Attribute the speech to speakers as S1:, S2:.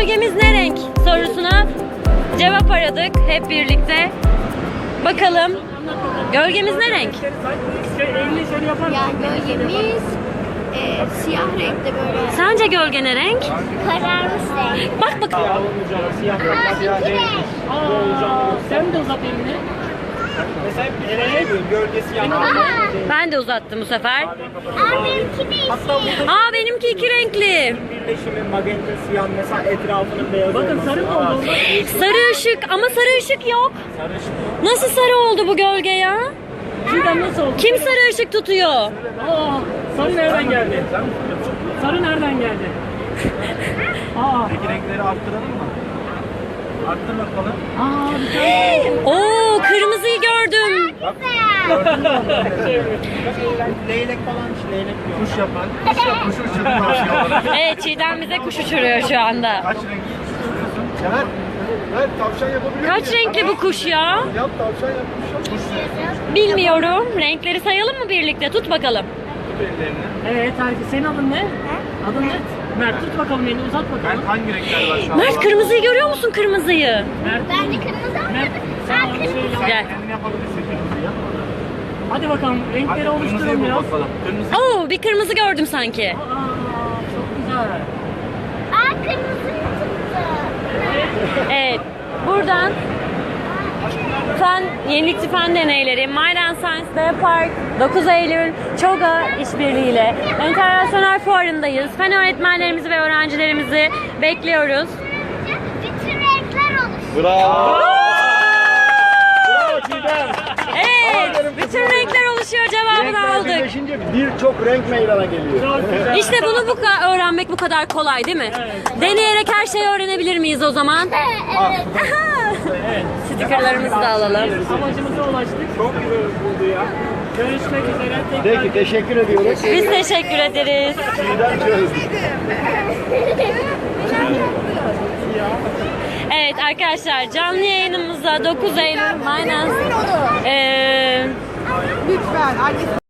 S1: gölgemiz ne renk sorusuna cevap aradık hep birlikte. Bakalım gölgemiz ne renk?
S2: Ya gölgemiz siyah renkte böyle.
S1: Sence gölge ne renk?
S2: Kararmış renk.
S1: Bak bak.
S2: İki renk.
S3: Sen de uzat elini. Mesela nereye gölgesi yanar.
S1: Ben de uzattım bu sefer.
S2: Benimki de yeşil.
S1: Aa benimki iki renkli.
S3: Birleşimi magenta siyah mesela etrafının beyaz
S4: Bakın
S3: olması.
S4: sarı mı oldu?
S1: Sarı ışık ama sarı ışık yok. Nasıl sarı oldu bu gölge ya?
S4: Çiğdem nasıl oldu?
S1: Kim sarı ışık tutuyor?
S4: Aa, sarı nereden geldi? Sarı nereden geldi? Aa,
S3: Peki renkleri arttıralım mı? Arttır bakalım.
S4: bir tane.
S1: Oo kırmızıyı gördüm.
S3: Leylek falan işte leylek diyor. Kuş yapan. Kuş uçurdu tavşan.
S1: Evet Çiğdem bize kuş uçuruyor şu anda.
S3: Kaç renk istiyorsun? Caner. Evet tavşan yapabilir
S1: Kaç renkli bu kuş ya?
S3: Yap tavşan yapmış. Kuş
S1: Bilmiyorum. Renkleri sayalım mı birlikte? Tut bakalım.
S3: ellerini.
S4: Evet, herkes. Senin adın ne? Adın ne? Mert, tut bakalım elini, uzat bakalım.
S3: Hangi renkler var şu an?
S1: Mert kırmızıyı görüyor musun kırmızıyı?
S4: Mert,
S2: Ben de kırmızı
S4: Mert,
S2: almadım.
S4: sen
S2: Ben
S4: bana bir şey
S2: kırmızı.
S4: yap.
S1: Gel.
S3: Kendini yapabilirsin kırmızıyı yap.
S4: Hadi bakalım, renkleri oluşturalım biraz.
S3: Kırmızı.
S1: Oo bir kırmızı gördüm sanki.
S4: Aa, çok güzel.
S2: Kırmızı tuttu.
S1: Evet. Buradan yenilikçi fen deneyleri, Mind and Science Park 9 Eylül ÇOGA işbirliğiyle Enternasyonel Fuarı'ndayız. Fen öğretmenlerimizi ve öğrencilerimizi bekliyoruz.
S2: Bütün renkler oluştu.
S3: Bravo. Bravo Çiğdem.
S1: Evet, bütün renkler oluşuyor cevabını aldık.
S3: Birleşince birçok renk meydana geliyor.
S4: Çok güzel.
S1: İşte bunu öğrenmek bu kadar kolay değil mi? Deneyerek her şeyi öğrenebilir miyiz o zaman?
S2: Evet.
S4: Evet.
S1: Stikerlerimizi de alalım.
S4: Amacımıza ulaştık.
S3: Çok güzel oldu ya.
S4: Görüşmek üzere. Tekrar.
S3: Peki teşekkür ediyoruz.
S1: Biz teşekkür ederiz.
S3: Çiğdem çözdü.
S1: Evet arkadaşlar canlı yayınımızda 9 Eylül Mind and
S2: Lütfen.